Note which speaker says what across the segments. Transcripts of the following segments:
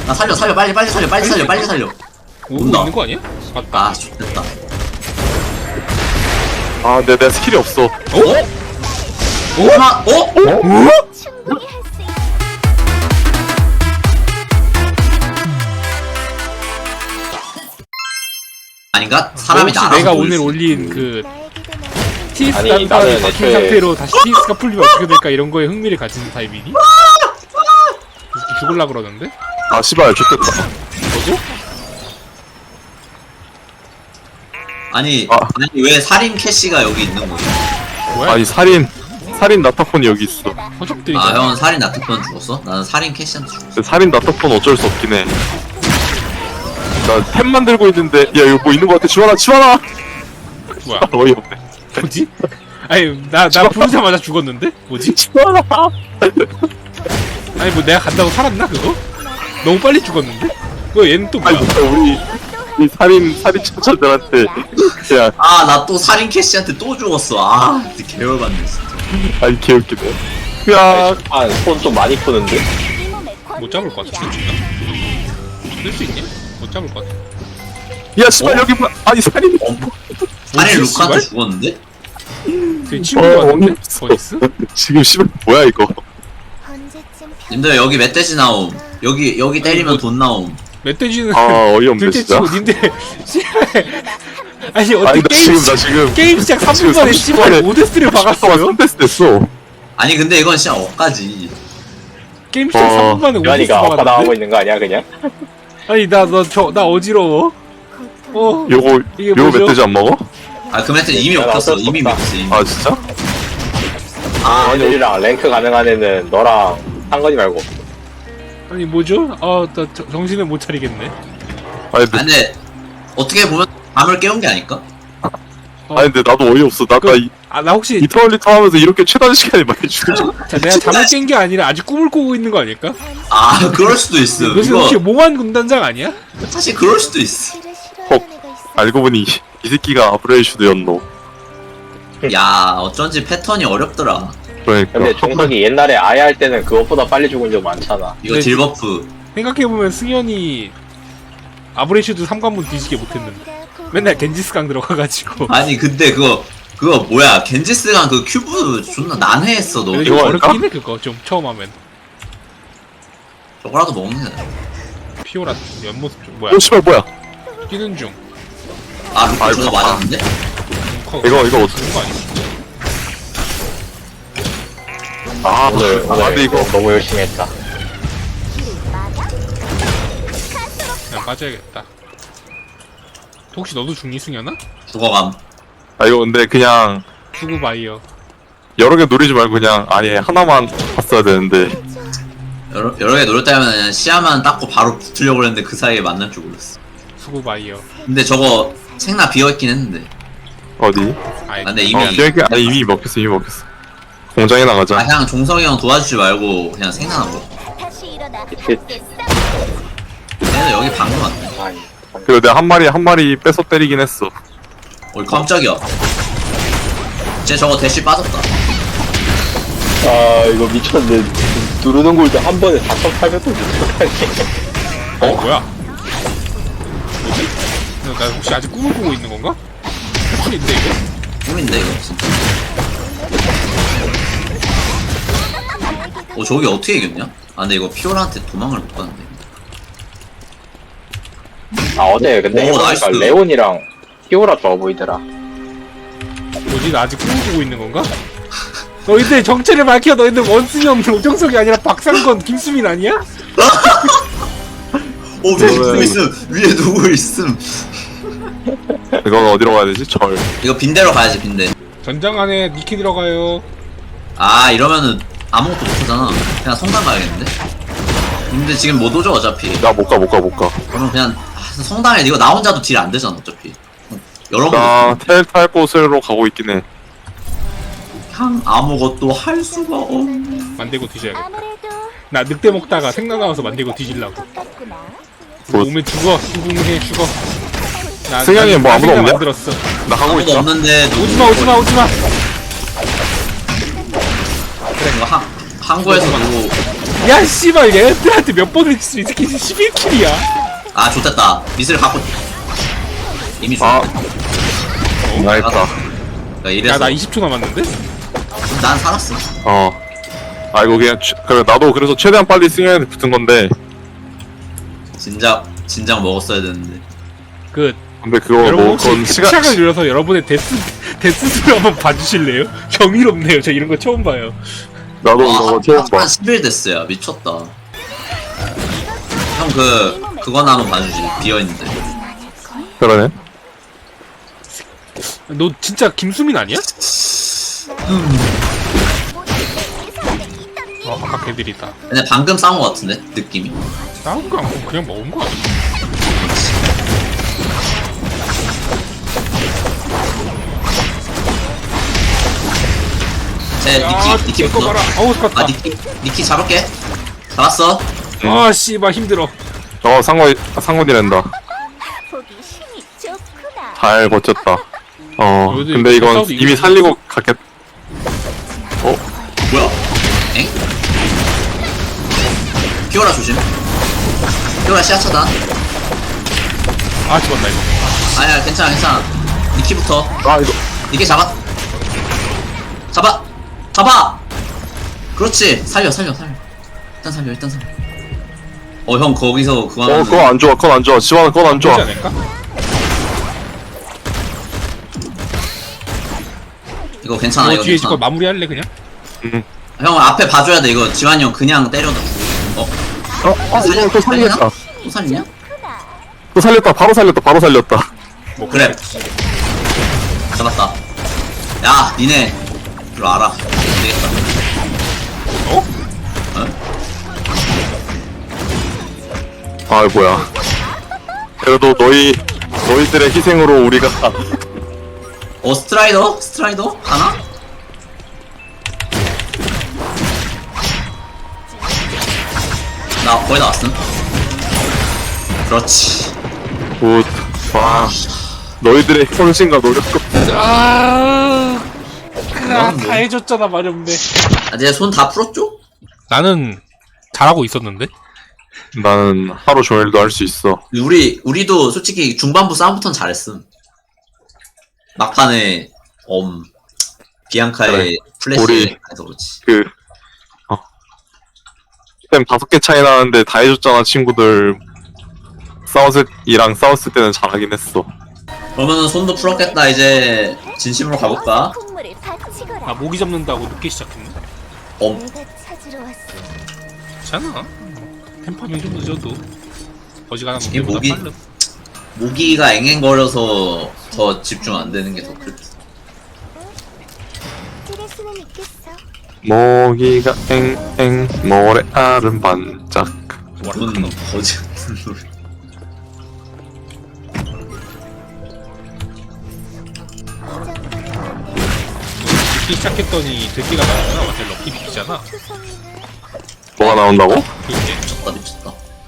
Speaker 1: 나 살려 빨리 살려.
Speaker 2: 오고
Speaker 1: 온다.
Speaker 2: 있는 거 아니야? 맞다.
Speaker 1: 아 됐다.
Speaker 3: 아 근데 내가 스킬이 없어.
Speaker 1: 오마
Speaker 4: 충분히 할 수 있어.
Speaker 1: 아닌가? 사람이
Speaker 2: 혹시
Speaker 1: 날아서
Speaker 2: 내가
Speaker 1: 돌릴
Speaker 2: 오늘
Speaker 1: 수
Speaker 2: 올린 그
Speaker 4: 나에게도
Speaker 2: TS
Speaker 5: 아니,
Speaker 2: 단판이
Speaker 5: 나는
Speaker 2: 박힌
Speaker 5: 애초에-
Speaker 2: 상태로 다시 TS가 풀리면 어떻게 될까 이런 거에 흥미를 가지는 타입이니? 죽을라 그러는데?
Speaker 3: 아 씨발 좋겠다.
Speaker 1: 아니
Speaker 3: 아.
Speaker 1: 아니 왜 살인 캐시가 여기 있는 거지?
Speaker 2: 뭐야?
Speaker 3: 아니 살인 나타폰이 여기 있어.
Speaker 2: 허접들이
Speaker 1: 아 형은 살인 나트폰 죽었어? 나는 살인 캐시한테 죽었어.
Speaker 3: 근데 살인 나타폰 어쩔 수 없긴 해. 나 템 만들고 있는데 야 이거 뭐 있는 거 같아. 치워라.
Speaker 2: 뭐야?
Speaker 3: 어이없네.
Speaker 2: 뭐지? 아니 나 부르자마자 죽었는데? 뭐지?
Speaker 3: 치워라.
Speaker 2: 아니 뭐 내가 간다고 살았나 그거? 너무 빨리 죽었는데? 왜 얘는 또 뭐야?
Speaker 3: 아니 우리 살인 천천들한테 그냥
Speaker 1: 아 나 또 살인 캐시한테 또 죽었어. 아 진짜 개열받네 진짜.
Speaker 3: 아니 개웃기네. 야
Speaker 5: 손 좀 많이 푸는데?
Speaker 4: 이 몸에
Speaker 2: 못 잡을 것 같은데? 쓸 수 있냐? 못 잡을 것 같아.
Speaker 3: 야 씨발 여기 뭐 아니 살인
Speaker 1: 살인
Speaker 2: 뭐지,
Speaker 1: 루카한테
Speaker 2: 씨발?
Speaker 1: 죽었는데?
Speaker 2: 그 친구가 왔는데? 버니스?
Speaker 3: 지금 씨발 뭐야 이거.
Speaker 4: 언제쯤
Speaker 1: 님들 여기 멧돼지 나옴. 여기 때리면
Speaker 2: 뭐-
Speaker 1: 돈 나옴.
Speaker 2: 멧돼지는
Speaker 3: 아 어이없네
Speaker 2: 둘째
Speaker 3: 진짜.
Speaker 2: 치고 님들 씨발 아니
Speaker 3: 아니
Speaker 2: 어떻게
Speaker 3: 나 지금
Speaker 2: 게임 시작 3분
Speaker 3: 지금
Speaker 2: 만에
Speaker 3: 30분
Speaker 2: 씨발
Speaker 3: 만에
Speaker 2: 5데스를 박았어요?
Speaker 3: 3데스 됐어.
Speaker 1: 아니 근데 이건 진짜 억까지.
Speaker 2: 게임 시작 3분 만에 5데스
Speaker 5: 유한이가 아까 나가고
Speaker 2: 박았는데?
Speaker 5: 있는 거 아니야 그냥?
Speaker 2: 아니 나 어지러워. 어 이게
Speaker 3: 요거
Speaker 2: 뭐죠?
Speaker 3: 멧돼지 안 먹어?
Speaker 1: 아 그 멘트 이미
Speaker 5: 야, 나
Speaker 1: 먹혔어.
Speaker 5: 어쩔 수
Speaker 1: 이미
Speaker 5: 없다.
Speaker 1: 먹혔어. 이미.
Speaker 3: 아 진짜?
Speaker 1: 아
Speaker 5: 애들이랑 랭크 가능한 애는 너랑 상건이 말고.
Speaker 2: 아니 뭐죠? 아나 정신을 못 차리겠네.
Speaker 3: 아니
Speaker 1: 아, 근데 어떻게 보면 밤을 깨운 게 아닐까?
Speaker 3: 아니 근데 나도 어이없어. 나
Speaker 2: 나 혹시
Speaker 3: 이터널리터 하면서 이렇게 최단 시간이 많이 죽은 적.
Speaker 2: 자, 내가 잠을 깬 게 아니라 아직 꿈을 꾸고 있는 거 아닐까?
Speaker 1: 아 그럴 수도 있어.
Speaker 2: 무슨
Speaker 1: 이거
Speaker 2: 혹시 몽환 군단장 아니야?
Speaker 1: 사실 그럴 수도 있어.
Speaker 4: 실을 싫어하는
Speaker 3: 헉.
Speaker 4: 애가 있어.
Speaker 3: 알고 보니 이 새끼가 아브레이슈드였노.
Speaker 1: 야 어쩐지 패턴이 어렵더라.
Speaker 3: 그러니까.
Speaker 5: 근데 종석이 옛날에 아예 할 때는 그것보다 빨리 죽은 적 많잖아.
Speaker 1: 이거
Speaker 2: 네.
Speaker 1: 딜버프.
Speaker 2: 생각해보면 승현이 아브레슈드 3관문 뒤지게 못했는데 맨날 겐지스강 들어가가지고
Speaker 1: 아니 근데 그거 뭐야 겐지스랑 그 큐브 존나 난해했어 너.
Speaker 2: 근데
Speaker 3: 이거
Speaker 2: 좀
Speaker 3: 할까?
Speaker 2: 어렵긴 해 그거 좀 처음 하면
Speaker 1: 저거라도 먹네.
Speaker 2: 피오라 옆모습 좀 뭐야
Speaker 3: 오 씨발 뭐야?
Speaker 2: 뛰는 중
Speaker 1: 아 루카
Speaker 3: 아이고,
Speaker 1: 저거 맞았는데?
Speaker 3: 이거 어떻게?
Speaker 2: 그런 거 아니야?
Speaker 3: 아
Speaker 5: 오늘
Speaker 3: 근데 이거
Speaker 5: 너무 열심히 했다.
Speaker 2: 그냥 빠져야겠다 혹시 너도 중니 승현아?
Speaker 1: 죽어감.
Speaker 3: 아 이거 근데 그냥
Speaker 2: 수구 바이어
Speaker 3: 여러 개 노리지 말고 그냥 아니 하나만 봤어야 되는데.
Speaker 1: 여러 개 노렸다면 그냥 시야만 닦고 바로 붙으려고 했는데 그 사이에 만날 줄 몰랐어.
Speaker 2: 수구 바이어
Speaker 1: 근데 저거 생나 비어있긴 했는데.
Speaker 3: 어디?
Speaker 2: 아이
Speaker 1: 아, 근데 이미
Speaker 3: 이미 먹혔어. 공장에 나가자.
Speaker 1: 아 그냥 종성이 형 도와주지 말고 그냥 생나나 먹어.
Speaker 4: 다시 일어나.
Speaker 1: 얘는 여기 방금 왔네.
Speaker 5: 아니.
Speaker 3: 그리고 내가 한 마리 뺏어 때리긴 했어.
Speaker 1: 어이 깜짝이야. 쟤 저거 대쉬 빠졌다.
Speaker 5: 아 이거 미쳤네. 누르는 골도 한 번에 4,800원 미쳤다니.
Speaker 2: 뭐야 뭐지? 나 혹시 아직 꿈을 꾸고 있는 건가? 꿈인데 이거?
Speaker 1: 꿈인데 이거 진짜. 저기 어떻게 이겼냐? 아 근데 이거 피오라한테 도망을 못 가는데.
Speaker 5: 아 어제 근데
Speaker 1: 오,
Speaker 5: 해보니까
Speaker 1: 나이스.
Speaker 5: 레온이랑 피오라 좋아 보이더라.
Speaker 2: 뭐지? 나 아직 꿈을 꾸고 있는 건가? 너희들 정체를 밝혀. 너희들 원순이 형 오정석이 아니라 박상건 김수민 아니야?
Speaker 1: 위에 누구 있음. 위에 누구 있음.
Speaker 3: 이건 어디로 가야 되지? 절.
Speaker 1: 이거 빈대로 가야지 빈대.
Speaker 2: 전장 안에 니키 들어가요.
Speaker 1: 아 이러면은 아무것도 못하잖아. 그냥 성당 가야겠는데? 근데 지금 못 오죠 어차피.
Speaker 3: 나 못 가.
Speaker 1: 그럼 그냥 성당에 이거 나 혼자도 딜 안 되잖아 어차피. 여러분
Speaker 3: 나 텔 탈 곳으로 가고 있긴 해.
Speaker 1: 그냥 아무것도 할 수가 없네.
Speaker 2: 만들고 뒤져야겠다.
Speaker 4: 아무래도
Speaker 2: 나 늑대 먹다가 생각 나와서 만들고 뒤질라고.
Speaker 4: 똑같구나.
Speaker 3: 뭐-
Speaker 2: 오면 죽어. 수긍해 죽어. 나
Speaker 3: 승현이 뭐 아무도
Speaker 2: 생각
Speaker 3: 없냐?
Speaker 2: 만들었어.
Speaker 3: 나 가고
Speaker 1: 아무도
Speaker 3: 있다.
Speaker 1: 없는데 누구
Speaker 2: 오지마.
Speaker 1: 그래 이거 항구에서 누구
Speaker 2: 야 씨발 얘들한테 몇 번을 칠수 이 새끼 11킬이야.
Speaker 1: 아 좋됐다. 미스를 갖고 이미
Speaker 3: 아.
Speaker 1: 죽었네.
Speaker 3: 나이다.
Speaker 1: 그러니까 이래서
Speaker 2: 야나 20초 남았는데?
Speaker 1: 난 살았어.
Speaker 3: 아이고 그냥 그래 나도 그래서 최대한 빨리 승현한테 붙은 건데
Speaker 1: 진작 먹었어야 되는데.
Speaker 2: 그
Speaker 3: 근데 그거
Speaker 2: 여러분
Speaker 3: 뭐
Speaker 2: 혹시
Speaker 3: 그건 시간
Speaker 2: 시간을 늘려서 여러분의 데스수를 한번 봐주실래요? 경이롭네요. 저 이런 거 처음 봐요.
Speaker 3: 나도 이거 처음 봐.
Speaker 1: 한 10일 됐어요. 미쳤다. 형 그거나 한번 봐주지. 비어있는데.
Speaker 3: 그러네.
Speaker 2: 너 진짜 김수민 아니야? 아까 걔들이다.
Speaker 1: 근데 방금 싸운 거 같은데 느낌이.
Speaker 2: 싸운 거 않고 그냥 먹은 거 아니야?
Speaker 1: 제
Speaker 2: 야,
Speaker 1: 니키
Speaker 2: 이거
Speaker 1: 붙어.
Speaker 2: 봐라. 어우 스파타.
Speaker 1: 아 니키 잡을게. 잡았어.
Speaker 2: 아 씨발 힘들어.
Speaker 3: 상관이란다.
Speaker 4: 보기 힘이 좋구나.
Speaker 3: 잘 버텼다.
Speaker 2: 여기
Speaker 3: 근데 이건
Speaker 2: 싸워도
Speaker 3: 이미
Speaker 2: 이기는
Speaker 3: 살리고 갔겠.
Speaker 1: 뭐야? 엥? 피오라 조심. 피오라 시야차다.
Speaker 2: 아 죽었다 이거.
Speaker 1: 아니야 괜찮아. 니키부터.
Speaker 3: 아 이거
Speaker 1: 니키 잡아. 그렇지. 살려. 일단 살려. 형 거기서 그거 하면.
Speaker 3: 그거 안 좋아. 그건 안 좋아. 지원은 그건 안 좋아.
Speaker 2: 되지 않을까?
Speaker 1: 이거 괜찮아.
Speaker 2: 너
Speaker 1: 이거
Speaker 2: 뒤에 이거
Speaker 1: 괜찮아.
Speaker 2: 마무리할래 그냥?
Speaker 1: 형 앞에 봐줘야 돼. 이거 지환이 형 그냥 때려도.
Speaker 3: 이거 또 살렸다.
Speaker 1: 또 살리냐?
Speaker 3: 또 살렸다. 바로 살렸다.
Speaker 2: 뭐
Speaker 1: 그래. 잡았다. 야 니네 이거 알아. 안 되겠다.
Speaker 2: 어?
Speaker 3: 아 뭐야. 그래도 너희들의 희생으로 우리가
Speaker 1: 스트라이더? 가나? 나 거의 다 왔음. 그렇지.
Speaker 3: 굿. 와. 너희들의 헌신과 노력과
Speaker 2: 다 해줬잖아 마렵네.
Speaker 1: 아, 이제 손 다 풀었죠?
Speaker 2: 나는 잘하고 있었는데?
Speaker 3: 나는 하루 종일도 할 수 있어.
Speaker 1: 우리도 솔직히 중반부 싸움부터는 잘했음. 막판에 비앙카의
Speaker 3: 그래.
Speaker 1: 플래시
Speaker 3: 우리-
Speaker 1: 해서 그렇지.
Speaker 3: 템 5개 차이 나는데 다 해줬잖아 친구들. 이랑 싸웠을 때는 잘하긴 했어.
Speaker 1: 그러면은 손도 풀었겠다. 이제 진심으로 가볼까?
Speaker 4: 콧물을 바치거라.
Speaker 2: 아 모기 잡는다고 늦게 시작했네.
Speaker 4: 내가 찾으러 왔어.
Speaker 2: 괜찮아. 템파밍 좀 늦어도 어지간한
Speaker 1: 이
Speaker 2: 놈들보다
Speaker 1: 모기-
Speaker 2: 빨라.
Speaker 1: 모기가 앵앵거려서 더 집중 안 되는 게 더 클.
Speaker 4: 찌를 수는 있겠어.
Speaker 3: 모기가 앵앵 모래알은 반짝.
Speaker 1: 뭔 거지 같은 소리.
Speaker 2: 늦게 시작했더니 들기가 나왔잖아. 완전 럭키 비키잖아.
Speaker 3: 뭐가 나온다고?
Speaker 2: 그게
Speaker 1: 미쳤다.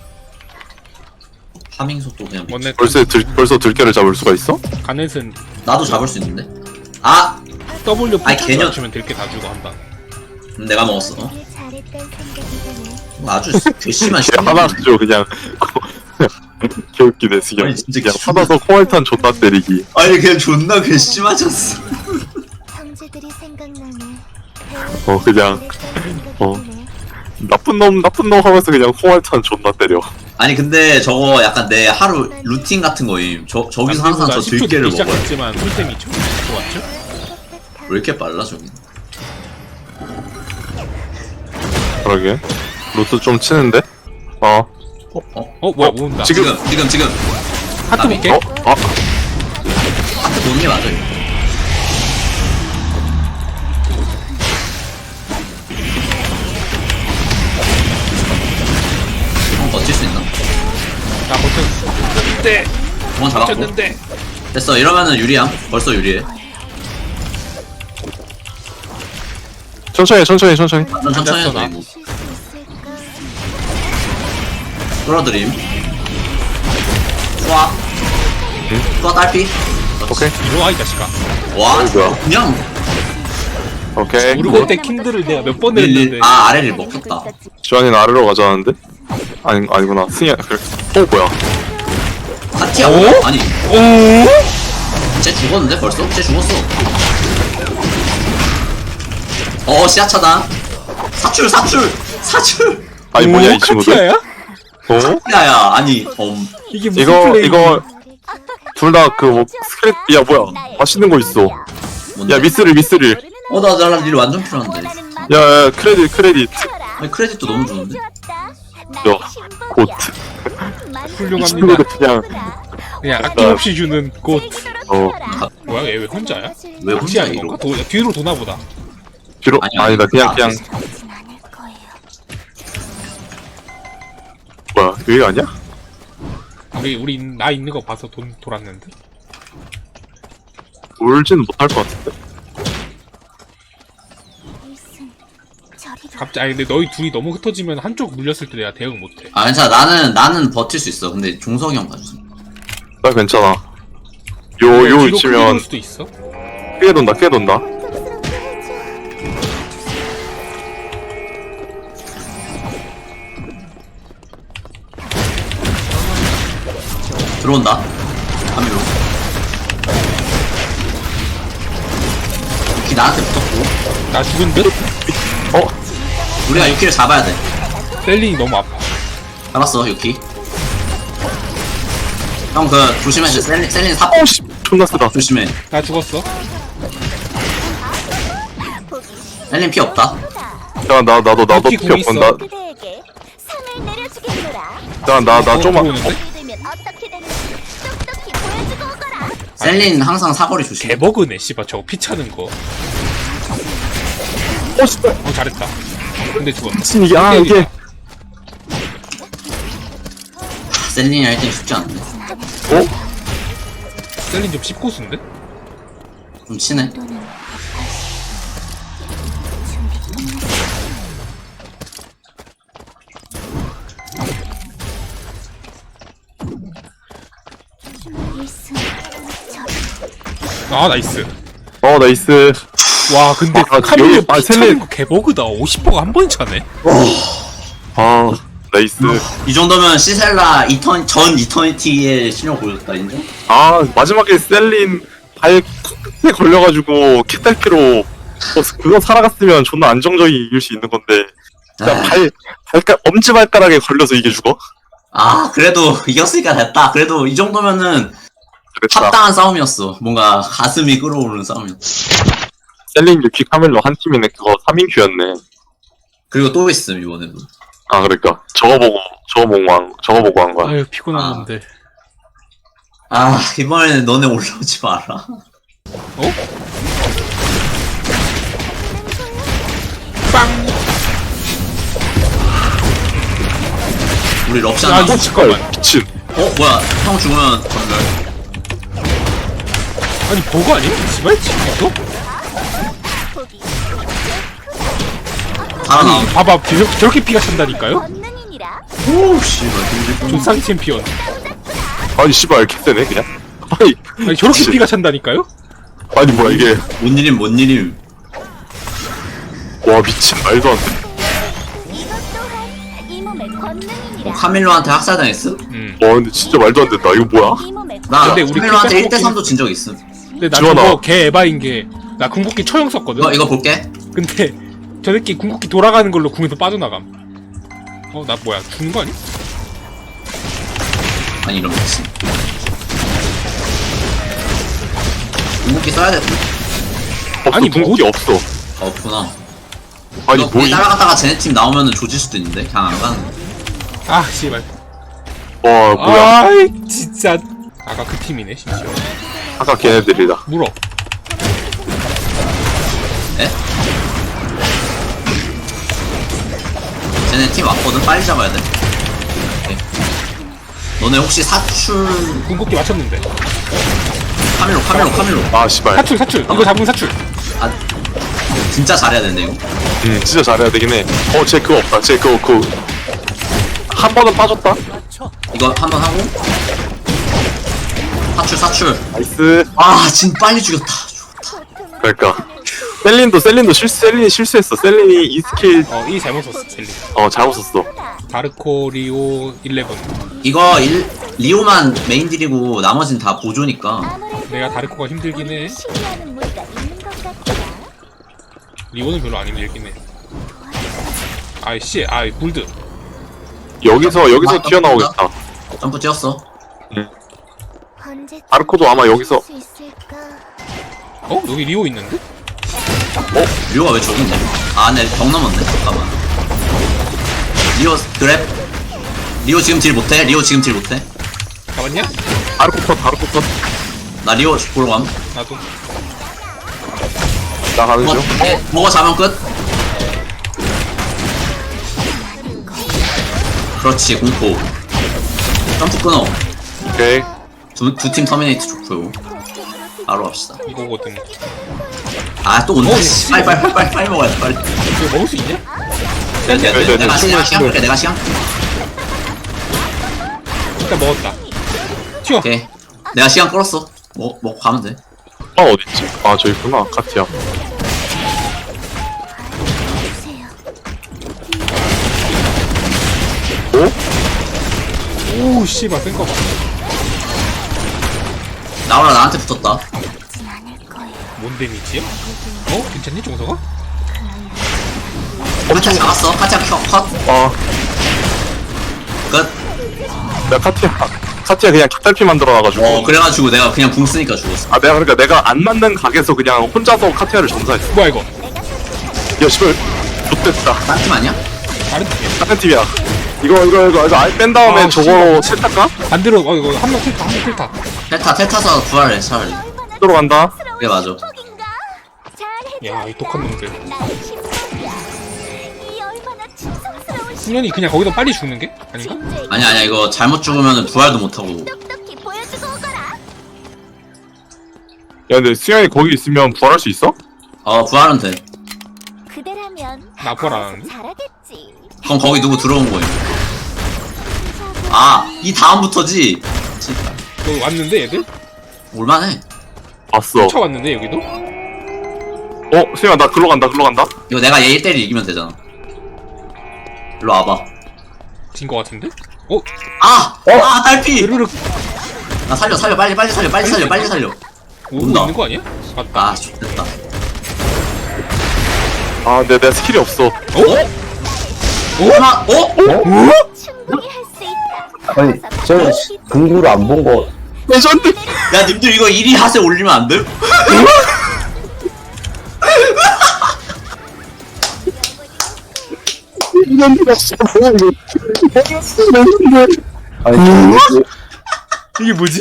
Speaker 1: 파밍 속도 그냥
Speaker 2: 원래
Speaker 3: 벌써 들깨를 잡을 수가 있어?
Speaker 2: 가넷은
Speaker 1: 나도 잡을 수 있는데. 아
Speaker 2: W
Speaker 1: 아이,
Speaker 2: 포탑
Speaker 1: 개념.
Speaker 2: 맞추면 들게 다 주고 한방.
Speaker 1: 내가 먹었어.
Speaker 4: 되게 잘했단 생각이 드네.
Speaker 1: 아주 괘씸한
Speaker 3: 걔 하나 가지고 그냥 개웃기네 그냥.
Speaker 1: 아니, 진짜
Speaker 3: 그냥
Speaker 1: 기분-
Speaker 3: 하나서 코알탄 존나 때리기.
Speaker 1: 아니 그냥 존나 괘씸하셨어.
Speaker 4: 형제들이 생각나네.
Speaker 3: 그냥 나쁜 놈 하면서 그냥 코알탄 존나 때려.
Speaker 1: 아니 근데 저거 약간 내 하루 루틴 같은 거임. 저기서 항상 저 들깨를 먹어요.
Speaker 2: 시작했지만 풀템이 좀 좋았죠?
Speaker 1: 왜 이렇게 빨라 저기?
Speaker 3: 그러게. 루트 좀 치는데?
Speaker 2: 어 뭐야 모은다.
Speaker 3: 지금-
Speaker 1: 지금
Speaker 2: 하트
Speaker 1: 아니,
Speaker 2: 볼게.
Speaker 1: 하트 보는 게 맞아. 이거. 형 버틸 수 있나?
Speaker 2: 나 버텼는데
Speaker 1: 원 잡았고.
Speaker 2: 버텼는데.
Speaker 1: 됐어. 이러면은 유리함. 벌써 유리해.
Speaker 3: 천천히.
Speaker 1: 천천히
Speaker 2: 앉았어,
Speaker 1: 해도
Speaker 2: 나.
Speaker 1: 되고.
Speaker 4: 쉴 수 있을까?
Speaker 1: 끌어들임. 좋아. 좋아 딸피.
Speaker 3: 오케이.
Speaker 2: 이리 와 이 자식아.
Speaker 1: 와
Speaker 3: 뭐야?
Speaker 1: 그냥
Speaker 3: 오케이.
Speaker 2: 우르고 때 킨드를 내가 몇 번 했는데.
Speaker 1: 아 아래를 먹혔다.
Speaker 3: 주환이는 아래로 가자는데? 아니구나. 승희야, 그래. 뭐야.
Speaker 1: 파티야?
Speaker 2: 오?
Speaker 1: 아니
Speaker 2: 오?
Speaker 1: 쟤 죽었는데 벌써? 쟤 죽었어. 시야차다. 사출.
Speaker 3: 아니, 뭐냐, 이 친구들?
Speaker 2: 카티아야?
Speaker 3: 어?
Speaker 1: 야야 아니
Speaker 2: 이게 무슨
Speaker 3: 이거,
Speaker 2: 플레이?
Speaker 3: 이거, 둘 다 그, 뭐, 스크립, 야, 뭐야. 맛있는 거 있어.
Speaker 1: 뭔데?
Speaker 3: 야, 미스릴.
Speaker 1: 나 일 완전 필요한데.
Speaker 3: 야, 크레딧.
Speaker 1: 아니 크레딧도 너무 좋은데?
Speaker 3: 야, 곧. 이
Speaker 2: 훌륭합니다.
Speaker 3: 친구들 그냥,
Speaker 2: 그냥 아낌없이 주는 곳. 뭐야 얘 왜 혼자야?
Speaker 1: 왜 혼자
Speaker 2: 혹시 아닌
Speaker 1: 이러?
Speaker 2: 건가? 뒤로 도나보다.
Speaker 3: 뒤로,
Speaker 1: 아니야.
Speaker 3: 아니다, 그냥, 뭐야, 여기 아니야?
Speaker 2: 우리 나 있는 거 봐서 돌았는데.
Speaker 3: 울지는 못할 것 같은데.
Speaker 2: 갑자기 아니 근데 너희 둘이 너무 흩어지면 한쪽 물렸을 때 내가 대응 못해.
Speaker 1: 아 괜찮아 나는 버틸 수 있어. 근데 종석이 형 봐주세요.
Speaker 3: 나 괜찮아. 요
Speaker 2: 뒤로 크게 돌
Speaker 3: 위치면,
Speaker 2: 수도 있어.
Speaker 3: 크게 돈다.
Speaker 1: 들어온다. 카미로. 유키 나한테 붙었고
Speaker 2: 나 죽은 듯?
Speaker 1: 우리가 유키를 잡아야 돼.
Speaker 2: 셀린이 너무 아파.
Speaker 1: 잡았어 유키. 형 그 조심해. 셀린 사
Speaker 3: 씨, 존나 쓰다.
Speaker 1: 조심해.
Speaker 2: 나 죽었어.
Speaker 1: 셀린 피 없다.
Speaker 3: 야, 나도
Speaker 2: 여기
Speaker 3: 필요
Speaker 2: 공 있어.
Speaker 3: 없고,
Speaker 4: 그대에게 상을 내려주겠노라.
Speaker 3: 나 좀만.
Speaker 2: 들어오는데?
Speaker 4: 되면 어떻게 되는지 똑똑히 보여주고 오거라.
Speaker 1: 셀린 항상 사거리 조심해.
Speaker 2: 개버그네 씨발 저거 피 차는 거.
Speaker 3: 진짜.
Speaker 2: 잘했다. 근데 죽었다.
Speaker 3: 미친, 이게.
Speaker 1: 셀린이 1등 쉽지 않은데.
Speaker 2: 셀린 좀 씹고수인데?
Speaker 1: 좀 치네.
Speaker 2: 아 나이스.
Speaker 3: 나이스.
Speaker 2: 와 근데
Speaker 3: 아,
Speaker 2: 카밀로
Speaker 3: 여기- 아,
Speaker 2: 피 차는
Speaker 3: 셀린.
Speaker 2: 거 개버그다. 50%가 한 번에 차네.
Speaker 3: 나이스.
Speaker 1: 이 정도면 시셀라 전 이터니티의 실력 보였다 인정?
Speaker 3: 마지막에 셀린 발 콕에 걸려가지고 캣달피로 그거 살아갔으면 존나 안정적이 이길 수 있는 건데 진짜 엄지발가락에 걸려서 이게 죽어?
Speaker 1: 그래도 이겼으니까 됐다. 그래도 이 정도면은
Speaker 3: 그랬다.
Speaker 1: 합당한 싸움이었어. 뭔가 가슴이 끓어오르는 싸움이었어.
Speaker 3: 셀린 유키 카멜로 한 팀이네. 그거 3인큐였네.
Speaker 1: 그리고 또 있음 이번에도.
Speaker 3: 그러니까 저거 보고 한 거야.
Speaker 2: 아유 피곤한 건데.
Speaker 1: 이번에는 너네 올라오지 마라.
Speaker 2: 어? 빵.
Speaker 1: 우리 럽션
Speaker 2: 야,
Speaker 1: 하나
Speaker 2: 이거 잠깐만.
Speaker 3: 미친.
Speaker 1: 뭐야 형 죽으면 전멸.
Speaker 2: 아니 버그 아니야? 씨발 지금
Speaker 1: 살아나.
Speaker 2: 봐봐 저렇게 피가 찬다니까요?
Speaker 4: 권능이니라.
Speaker 1: 오 씨발.
Speaker 2: 조상 챔피언.
Speaker 3: 아니 씨발 캣세네 그냥.
Speaker 2: 아니 저렇게
Speaker 3: 미친.
Speaker 2: 피가 찬다니까요?
Speaker 3: 아니 뭐야 이게.
Speaker 1: 뭔 일임.
Speaker 3: 와 미친 말도 안 돼.
Speaker 4: 이것 또한 이 몸의 권능이니라.
Speaker 1: 카밀로한테 학살당했어?
Speaker 3: 와 근데 진짜 말도 안 된다. 이거 뭐야?
Speaker 4: 이 몸의
Speaker 1: 나
Speaker 2: 근데 우리
Speaker 1: 카밀로한테
Speaker 2: 킥백
Speaker 1: 1대3도 진 적 있음.
Speaker 2: 근데 나
Speaker 3: 지원아.
Speaker 2: 저거 개 에바인 게 나 궁극기 처형 썼거든?
Speaker 1: 이거 볼게.
Speaker 2: 근데 저 새끼 궁극기 돌아가는 걸로 궁에서 빠져나감. 나 뭐야 죽는 거 아니?
Speaker 1: 아니 이러면 미친. 궁극기 써야 돼.
Speaker 2: 아니,
Speaker 3: 궁극기
Speaker 2: 뭐-
Speaker 3: 없어.
Speaker 1: 없구나.
Speaker 3: 아니
Speaker 1: 이거
Speaker 3: 뭐 이.
Speaker 1: 따라갔다가 쟤네 팀 나오면은 조질 수도 있는데 그냥 안 가는.
Speaker 2: 아 씨발.
Speaker 3: 와 뭐야.
Speaker 2: 아이 진짜. 아까 그 팀이네 심지어.
Speaker 3: 아까 걔네들이다.
Speaker 2: 물어.
Speaker 1: 에? 쟤네 팀 왔거든. 빨리 잡아야 돼. 오케이. 너네 혹시 사출
Speaker 2: 궁극기 맞췄는데.
Speaker 1: 카밀로.
Speaker 3: 아 씨발.
Speaker 2: 사출. 이거 잡으면 사출.
Speaker 1: 진짜 잘해야 된대 이거.
Speaker 3: 진짜 잘해야 되긴 해. 쟤 그거 없다. 쟤 그거 한 번은 빠졌다.
Speaker 1: 이거 한번 하고. 사출.
Speaker 3: 나이스.
Speaker 1: 진 빨리 죽였다.
Speaker 3: 그러니까 셀린이 실수했어. 셀린이 이 스킬
Speaker 2: 이 잘못 썼어 셀리.
Speaker 3: 잘못 썼어.
Speaker 2: 다르코 리오 11.
Speaker 1: 이거 리오만 메인 딜이고 나머진 다 보조니까.
Speaker 4: 아무래도
Speaker 2: 내가 다르코가 힘들긴 해.
Speaker 4: 신뢰하는 무리가 있는 것 같다.
Speaker 2: 리오는 별로 안 힘들긴 해. 아이씨, 아이 골드.
Speaker 3: 여기서 튀어나오겠다.
Speaker 1: 점프 뛰었어.
Speaker 4: 언제쯤
Speaker 3: 아르코도 아마 여기서
Speaker 4: 수 있을까?
Speaker 2: 여기 리오 있는데?
Speaker 1: 리오가 왜 저기 있냐? 아, 네, 벽 넘었네. 잠깐만. 리오 그랩. 리오 지금 딜 못해?
Speaker 2: 잡았냐?
Speaker 3: 아르코 컷.
Speaker 1: 나 리오 보러 감.
Speaker 2: 나도.
Speaker 3: 나 가는 중.
Speaker 1: 먹어 잡으면 끝. 그렇지, 공포. 점프 끊어.
Speaker 3: 오케이.
Speaker 1: 두 팀 터미네이트 좋고요. 바로 갑시다.
Speaker 2: 이거거든.
Speaker 1: 아, 또 온다. 씨. 빨리 먹어야 돼, 빨리.
Speaker 2: 이거 먹을 수 있냐?
Speaker 1: 내가 시간 끌게, 내가 시간.
Speaker 2: 일단 먹었다. 튀어.
Speaker 1: 오케이. 내가 시간 끌었어. 먹고 가면 돼.
Speaker 3: 어딨지? 아, 저기 있구나. 카티야.
Speaker 4: 주세요.
Speaker 2: 오, 씨발 센 거 봐.
Speaker 1: 나오라 나한테 붙었다.
Speaker 4: 진 않을 거예요.
Speaker 2: 뭔 데미지야? 괜찮니 종서가?
Speaker 1: 카차 잡았어. 카차 컷. 끝.
Speaker 3: 내가 카티야 그냥 깃달피 만들어놔가지고.
Speaker 1: 그래가지고 내가 그냥 궁 쓰니까 죽었어.
Speaker 3: 아, 내가 안 맞는 각에서 그냥 혼자서 카티아를 전사했어.
Speaker 2: 뭐야 이거?
Speaker 3: 야, 씨발. 좋됐다.
Speaker 1: 딴 팀 아니야?
Speaker 2: 다른 팀이야.
Speaker 3: 다른 팀이야. 이거 아예 뺀 다음에
Speaker 2: 아,
Speaker 3: 저거 세탁가?
Speaker 2: 반대로 이거 한명 필타.
Speaker 1: 테타서 구할래 차라리.
Speaker 3: 들어간다.
Speaker 1: 그게 맞아.
Speaker 4: 폭인가? 잘해.
Speaker 2: 야, 이 독한 놈들.
Speaker 4: 나의 신복이야. 이 얼마나 충성스러운
Speaker 2: 승련이 그냥 거기서 빨리 죽는 게? 아닌가?
Speaker 4: 신재의
Speaker 1: 아니야 이거 잘못 죽으면 부활도 못하고.
Speaker 4: 똑똑히 보여주고 오거라.
Speaker 3: 야, 근데 수영이 거기 있으면 부활할 수 있어?
Speaker 1: 부활은 돼.
Speaker 4: 그대라면
Speaker 2: 나 부활 안
Speaker 4: 알아서
Speaker 2: 하는데?
Speaker 4: 잘하겠지.
Speaker 1: 그럼 거기 누구 들어온 거임? 이 다음부터지. 진짜.
Speaker 2: 너 왔는데 얘들?
Speaker 1: 올만해.
Speaker 3: 봤어.
Speaker 2: 쫓아왔는데 여기도?
Speaker 3: 수영아, 나 글로 간다.
Speaker 1: 이거 내가 얘 1대1 이기면 되잖아. 일로 와봐.
Speaker 2: 진 거 같은데?
Speaker 1: 딸피!
Speaker 2: 으르륵
Speaker 1: 나 살려, 빨리 살려.
Speaker 2: 오고
Speaker 1: 온다.
Speaker 2: 있는 거 아니야? 맞다.
Speaker 1: 좋겠다.
Speaker 3: 아, 근데 내 스킬이 없어.
Speaker 1: 얼마?
Speaker 4: 충분히 할 수 있다.
Speaker 5: 아니 저는 근구를 안 본 거.
Speaker 3: 레전드!
Speaker 1: 야, 님들 이거 1위 하세 올리면 안 돼?
Speaker 5: 아니
Speaker 2: 이게 뭐지?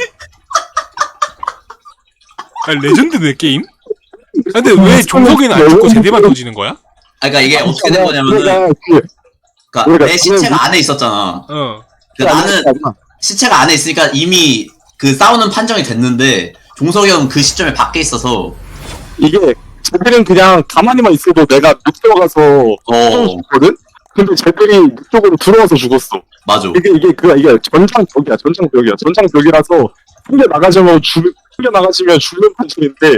Speaker 2: 레전드네 게임? 근데 왜 종석이는 안 죽고 제대만 터지는 거야?
Speaker 1: 그러니까 이게 어떻게 된 거냐면은, 그러니까
Speaker 3: 우리가
Speaker 1: 내 시체가 안에 있었잖아.
Speaker 2: 어.
Speaker 1: 그러니까 나는 시체가 안에 있으니까 이미 그 싸우는 판정이 됐는데 종석이 형 그 시점에 밖에 있어서
Speaker 3: 이게 쟤들은 그냥 가만히만 있어도 내가 못 들어가서 죽거든? 근데 쟤들이 이쪽으로 들어와서 죽었어.
Speaker 1: 맞아.
Speaker 3: 이게 전장벽이야. 전장벽이라서 풀려 나가지면 죽는 판정인데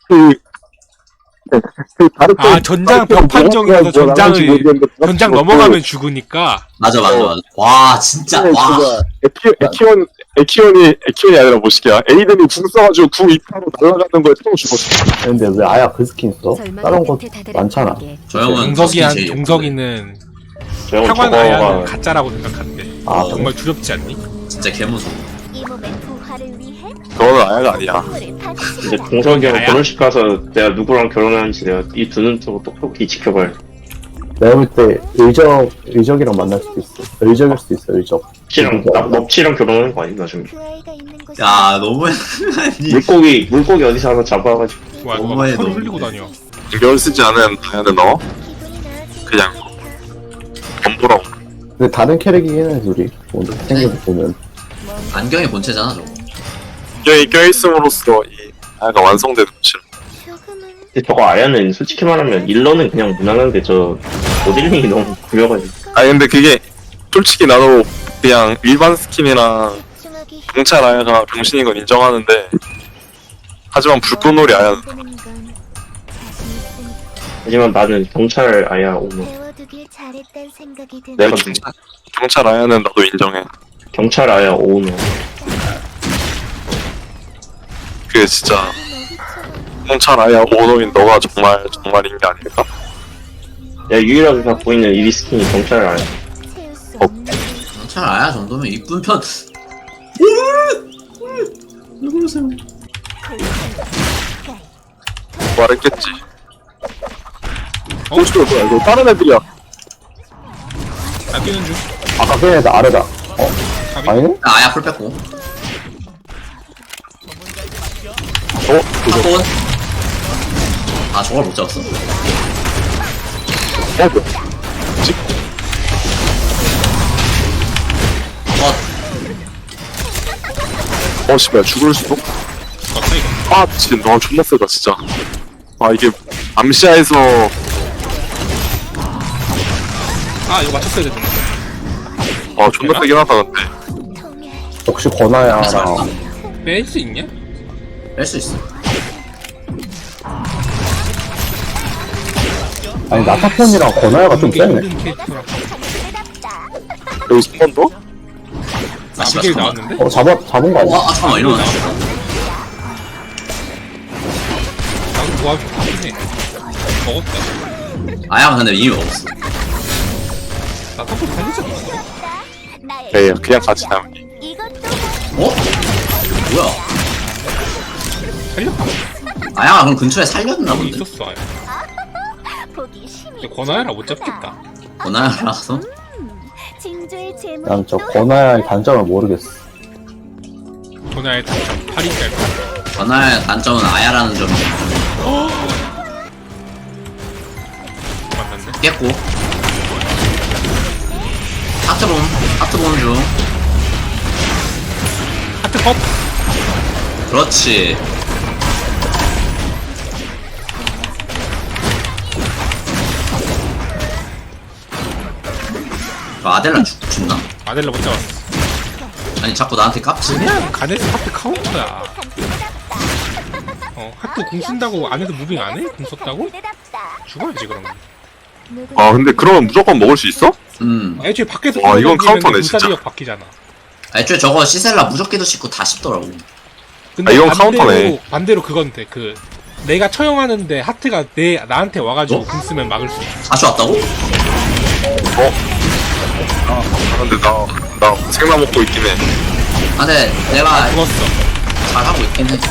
Speaker 3: 다른
Speaker 2: 전장 벽 판정이라서 전장 넘어가면 죽으니까.
Speaker 1: 맞아. 와 진짜 와.
Speaker 3: 에키온이 아니라 뭐시기야. 에이든이 궁 써가지고 궁 입하로 날아가는 거에 또 죽었어.
Speaker 5: 근데 왜 아야 그 스킨 써? 다른 거 많잖아.
Speaker 1: 저 형은
Speaker 2: 종석이는
Speaker 5: 저 형은
Speaker 2: 평안
Speaker 5: 저거가
Speaker 2: 아야는 가짜라고 생각한대. 정말 두렵지 않니?
Speaker 1: 진짜 개무서워.
Speaker 4: 이 몸의 부활을 위해
Speaker 3: 그거는 아야가 아니야.
Speaker 4: 선물을
Speaker 5: 이제
Speaker 4: 바치라.
Speaker 5: 동석이 형
Speaker 2: 나야?
Speaker 5: 결혼식 가서 내가 누구랑 결혼하는지 내가 이 두 눈 뜨고 똑똑히 지켜봐야 돼.
Speaker 6: 내가 볼 때 의적이랑 만날 수도 있어. 의적일 수도 있어. 의적.
Speaker 5: 넙치랑 결혼하는 거 아니 나중에.
Speaker 4: 그 아이가 있는 곳에
Speaker 1: 야 너무
Speaker 5: 물고기 어디서 하나 잡아가지고.
Speaker 2: 와 이거
Speaker 1: 너무해,
Speaker 2: 털
Speaker 1: 너무.
Speaker 2: 흘리고 다녀.
Speaker 3: 신경 쓰지 않은 다이아는 너
Speaker 4: 기분이 나아지는
Speaker 3: 그냥
Speaker 4: 것 같아.
Speaker 3: 덤보라고.
Speaker 6: 근데 다른 캐릭이긴 해, 둘이. 오늘 생각해 보면.
Speaker 1: 안경이 본체잖아 저거.
Speaker 3: 여기 껴있음으로써 이 아야가 완성되는 것이.
Speaker 4: 조금은
Speaker 5: 근데 저거 아야는 솔직히 말하면 일러는 그냥 무난한데 저 모델링이 너무 구려가지고.
Speaker 3: 아니 근데 그게 솔직히 나도 그냥 일반 스킨이랑
Speaker 4: 집중하기
Speaker 3: 경찰 아야가 병신인 건 인정하는데 하지만 불꽃놀이 아야는
Speaker 4: 보는 건 자신 있으니까.
Speaker 5: 하지만 나는 경찰 아야 오너.
Speaker 4: 배워두길 잘했단 생각이 드네.
Speaker 5: 내가
Speaker 3: 경찰 아야는 나도 인정해.
Speaker 5: 경찰 아야 오너.
Speaker 3: 그게 진짜 경찰 아야 오너인 너가 정말인 게 아닐까?
Speaker 5: 야 유일하게 갖고 있는 이 스킨이 경찰 아야.
Speaker 4: 채울 수 없는
Speaker 1: 경찰 아야 정도면 이쁜 편. 왜 그러세요?
Speaker 3: 말했겠지.
Speaker 2: 어?
Speaker 3: 뭐야 이거 다른 애들이야.
Speaker 2: 나 뛰는 중.
Speaker 6: 아까 걔 애들 아래다.
Speaker 2: 가비.
Speaker 6: 아니네?
Speaker 1: 아야 풀 뺐고.
Speaker 3: 그거
Speaker 1: 사건. 아 저걸 못 잡았어.
Speaker 3: 뭐야? 씨발 죽을 수도?
Speaker 2: 없어 이거.
Speaker 3: 아 진짜 너 존나 세다 진짜. 아 이게 암시아에서
Speaker 2: 아 이거 맞췄어야 되는데.
Speaker 3: 존나 세긴 하다 근데.
Speaker 4: 통일.
Speaker 6: 역시 권하야랑
Speaker 2: 뺄 수 있냐?
Speaker 1: 뺄 수 있어.
Speaker 6: 아니 나타폰이랑 권하야가 좀
Speaker 2: 이게
Speaker 6: 세네.
Speaker 2: 힘든 캐릭터라.
Speaker 3: 여기서 한 번 더?
Speaker 1: 아 씨발
Speaker 2: 아비게일
Speaker 1: 잠깐만.
Speaker 2: 나왔는데?
Speaker 6: 잡은 거 아니야?
Speaker 1: 와, 아 잠깐만 이러면.
Speaker 2: 나도 도와줘. 해. 먹었다.
Speaker 1: 아야가 근데 이미 먹었어.
Speaker 2: 나 턱도 살리지 않았어.
Speaker 4: 나의
Speaker 3: 네 그냥 같이 나오니.
Speaker 4: 이것도
Speaker 1: 어? 뭐야?
Speaker 2: 살렸다.
Speaker 1: 아야가 그럼 근처에 살렸나
Speaker 2: 여기
Speaker 1: 본데.
Speaker 2: 있었어. 아야.
Speaker 4: 보기 힘이.
Speaker 2: 근데 권하야라 못 잡겠다.
Speaker 1: 권하야라서.
Speaker 4: 징조의 제목.
Speaker 6: 난 저 권하야의 단점을 모르겠어.
Speaker 2: 권하야의 단점 8인짤.
Speaker 1: 권하야의 단점은 아야라는 점이
Speaker 2: 맞났네.
Speaker 1: 깼고. 하트 보는 중.
Speaker 2: 하트 컵.
Speaker 1: 그렇지. 아델라 죽나?
Speaker 2: 아델라 못 잡았어.
Speaker 1: 아니 자꾸 나한테 깝치.
Speaker 2: 그냥 가네스 하트 카운터야. 하트 궁 쓴다고 안에서 무빙 안 해? 궁 썼다고? 죽어야지 그러면.
Speaker 3: 아 근데 그러면 무조건 먹을 수 있어?
Speaker 2: 애초에 밖에서
Speaker 3: 와, 이건
Speaker 2: 던지면
Speaker 3: 카운터네, 진짜.
Speaker 2: 불사지역 바뀌잖아.
Speaker 1: 애초에 저거 시셀라 무적기도 씹고 다 씹더라고.
Speaker 2: 근데
Speaker 3: 이건 카운터네.
Speaker 2: 반대로 그건데 그 내가 처형하는데 하트가 나한테 와가지고 궁 쓰면 막을 수 있어.
Speaker 1: 다시 왔다고?
Speaker 3: 근데 나 생나 먹고 있긴 해.
Speaker 1: 아 근데 내가
Speaker 2: 죽었어.
Speaker 1: 잘하고 있긴 해.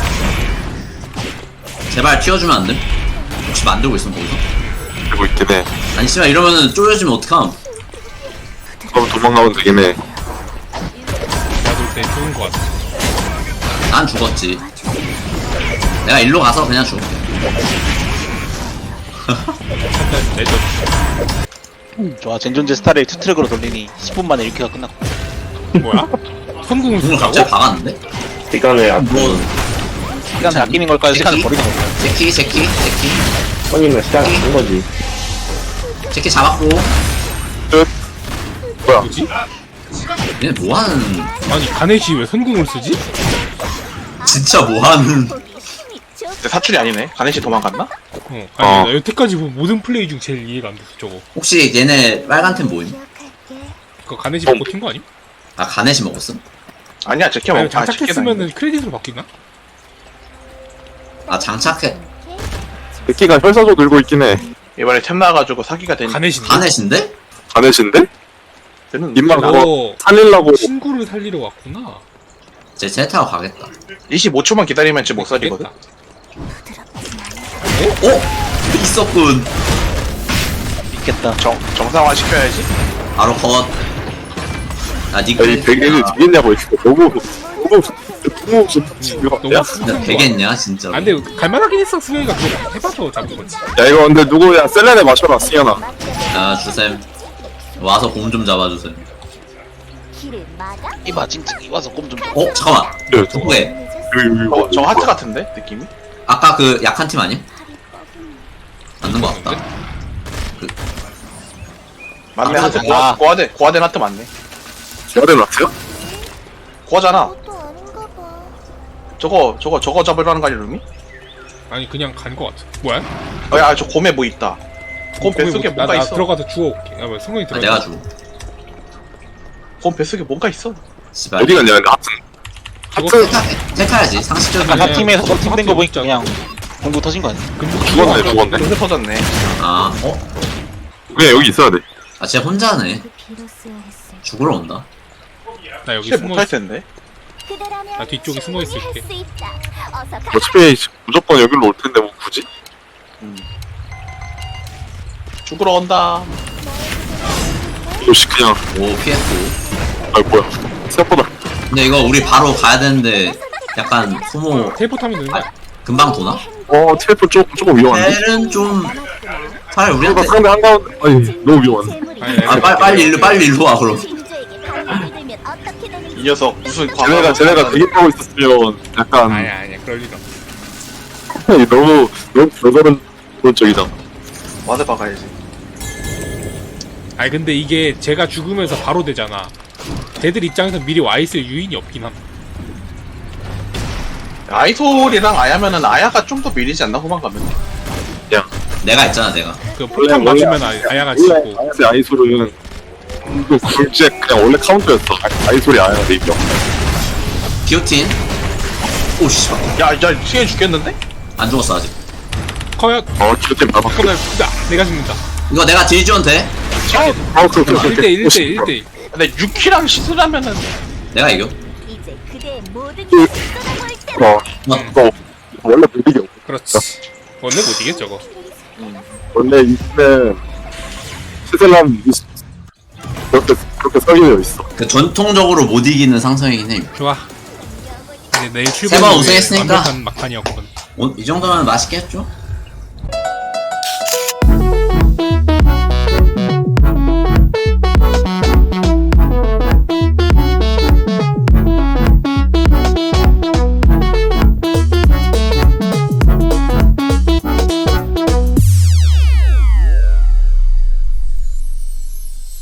Speaker 1: 제발 튀어주면 안 돼? 혹시 만들고 있으면 거기서?
Speaker 3: 되고 있긴 해.
Speaker 1: 아니 씨발 이러면은 쪼여지면 어떡함.
Speaker 3: 그럼 도망가면 되긴 해.
Speaker 2: 나도 그때 죽은 거 같아.
Speaker 1: 난 죽었지. 내가 일로 가서 그냥 죽을게.
Speaker 2: 레전.
Speaker 7: 좋아 젠존제 스타를 투트랙으로 돌리니 10분 만에 1킬가 끝났고
Speaker 2: 뭐야? 선궁을
Speaker 1: 궁을
Speaker 2: 쓴다고?
Speaker 1: 갑자기 박았는데?
Speaker 5: 시간을 아끼는
Speaker 1: 뭐
Speaker 7: 시간을 아끼는 걸까요? 시간을
Speaker 1: 제키?
Speaker 7: 버리는 걸까요?
Speaker 1: 제키
Speaker 5: 손님은 시간 아낀 거지.
Speaker 1: 제키 잡았고.
Speaker 3: 끝. 뭐야?
Speaker 2: 뭐지?
Speaker 1: 얘네 뭐하는
Speaker 2: 아니 가네시 왜 선궁을 쓰지?
Speaker 1: 진짜 뭐하는.
Speaker 4: 보기 힘이 좋.
Speaker 7: 근데 사출이 아니네 가네시 도망갔나?
Speaker 2: 아니
Speaker 3: 어.
Speaker 2: 나 여태까지 본 모든 플레이 중 제일 이해가 안 됐어 저거.
Speaker 1: 혹시 얘네 빨간 템 뭐임?
Speaker 4: 기억할게.
Speaker 2: 그거 가네시 먹고 튄거 아님?
Speaker 1: 아 가넷이 먹었음?
Speaker 7: 아니야 제키가
Speaker 2: 아니
Speaker 7: 먹고 다
Speaker 2: 장착했으면은 크레딧으로 바뀌나?
Speaker 1: 아 장착해.
Speaker 3: 새끼가 혈사조 들고 있긴 해.
Speaker 7: 이번에 템 나와가지고 사기가 된
Speaker 2: 가네시인데?
Speaker 1: 가넷인데?
Speaker 3: 가넷인데?
Speaker 7: 는
Speaker 3: 입만
Speaker 2: 너
Speaker 3: 그거 살리려고
Speaker 2: 친구를 살리러 왔구나.
Speaker 1: 제 타고 가겠다.
Speaker 7: 25초만 기다리면 지금 못 살리거든.
Speaker 2: 됐다.
Speaker 1: 어? 있었군.
Speaker 7: 있겠다
Speaker 3: 정상화 시켜야지.
Speaker 1: 바로 컷. 아
Speaker 3: 야, 이
Speaker 1: 니꺼
Speaker 3: 베개를 되겠냐고 이거 너무
Speaker 2: 너무
Speaker 1: 진짜
Speaker 2: 순수한
Speaker 1: 되겠냐 진짜.
Speaker 2: 아 근데 갈만하긴 했어. 승현이가 그거 해봐서 잡은 거지.
Speaker 3: 야 이거 근데 누구야 셀렌에 맞춰라 승현아.
Speaker 1: 야 주셈 와서 곰 좀 잡아주셈.
Speaker 4: 길을 막아.
Speaker 7: 이봐 찡찡이 와서 꼼좀
Speaker 1: 어 잠깐만.
Speaker 3: 네,
Speaker 1: 누구해?
Speaker 7: 저 하트 같은데 느낌이?
Speaker 1: 아까 그 약한 팀 아님? 맞는 거 같다.
Speaker 7: 맞네
Speaker 1: 아,
Speaker 7: 하트
Speaker 2: 아.
Speaker 7: 고아된 하트 맞네.
Speaker 3: 야den 라트요?
Speaker 7: 고아잖아.
Speaker 4: 그것도 아닌가 봐.
Speaker 7: 저거 잡으려는 거 아니야 루미?
Speaker 2: 아니 그냥 간 거 같아. 뭐야?
Speaker 8: 야, 저 곰에 뭐 있다. 곰 뱃속에
Speaker 2: 나
Speaker 8: 뭔가 있어.
Speaker 2: 들어가서 주워올게. 야, 뭐야, 승훈이
Speaker 1: 아,
Speaker 2: 들어가.
Speaker 1: 내가 주고.
Speaker 8: 곰 뱃속에 뭔가 있어.
Speaker 1: 씨발.
Speaker 3: 어디 갔냐? 하튼
Speaker 1: 택해야지 상식적인.
Speaker 7: 아까 팀에서
Speaker 2: 그냥
Speaker 7: 팀된 거 보니까
Speaker 2: 진짜.
Speaker 7: 그냥 공부 터진 거 아니야?
Speaker 3: 죽었네.
Speaker 8: 요새 터졌네.
Speaker 1: 아,
Speaker 3: 그냥 여기 있어야 돼.
Speaker 1: 아, 쟤 혼자네.
Speaker 4: 빌었어야 했어.
Speaker 1: 죽으러 온다.
Speaker 2: 나 여기
Speaker 8: 쟤
Speaker 2: 숨어
Speaker 8: 못할
Speaker 2: 있어.
Speaker 8: 텐데.
Speaker 4: 그대라면
Speaker 2: 나 뒤쪽에 숨어 있을게.
Speaker 4: 충분히 할수 있다. 어서 가.
Speaker 3: 어차피 무조건 여기로 올 텐데 뭐 굳이?
Speaker 8: 죽으러 온다.
Speaker 3: 역시 그냥
Speaker 1: 오, 피했고.
Speaker 3: 아 뭐야 생각보다
Speaker 1: 근데 이거 우리 바로 가야 되는데 약간 소모
Speaker 2: 텔포타면 되는 거야.
Speaker 1: 금방 도나?
Speaker 3: 텔ефон 조금 위험한데?
Speaker 1: 텔은 좀 차라리
Speaker 3: 그러니까
Speaker 1: 우리한테.
Speaker 3: 상대 한가운데 아니 너무 위험한데?
Speaker 2: 아니,
Speaker 1: 아, 빨리 일로 와 그럼.
Speaker 4: 진주에게 반응이 들면 어떻게 되는지
Speaker 8: 이 녀석 무슨
Speaker 3: 쟤네가 대기하고 있었으면 약간
Speaker 2: 아니야 그럴 일 없어.
Speaker 3: 너무 별다른 그런 쪽이다.
Speaker 8: 와드 박아야지.
Speaker 2: 아니 근데 이게 제가 죽으면서 바로 되잖아. 쟤들 입장에서 미리 와 있을 유인이 없긴 함.
Speaker 8: 아이솔이랑 아야면은 아야가 좀 더 밀리지 않나 후반 가면.
Speaker 1: 내가 있잖아 내가.
Speaker 2: 그 폭탄
Speaker 3: 원래-
Speaker 2: 맞으면 아야가
Speaker 3: 원래
Speaker 2: 지고.
Speaker 3: 아이솔은 그 굴잭 그냥 원래 카운터였어. 아이솔이 아니야 내 입장.
Speaker 1: 기오틴. 오 씨발.
Speaker 8: 야, 시간 죽겠는데?
Speaker 1: 안 죽었어 아직.
Speaker 2: 커요.
Speaker 3: 기어템 봐봐.
Speaker 2: 잠깐만 내가 죽는다.
Speaker 1: 이거 내가 딜 지원 돼?
Speaker 3: 그렇게
Speaker 2: 1대1
Speaker 8: 근데 유키랑 시스라면은
Speaker 1: 내가 이겨.
Speaker 4: 이제 그대의 모든 것을 쏟아부을 때다.
Speaker 3: 너 원래 못 이겨.
Speaker 2: 그렇지. 원래 못 이겨 저거.
Speaker 3: 원래 이때는 시셀람 그렇게 설계되어 있어.
Speaker 1: 그 전통적으로 못 이기는 상성이긴 해.
Speaker 2: 좋아. 이제 내일
Speaker 1: 세번
Speaker 2: 출발.
Speaker 1: 우승했으니까.
Speaker 2: 완벽한 막판이었거든.
Speaker 1: 이 정도면 맛있겠죠?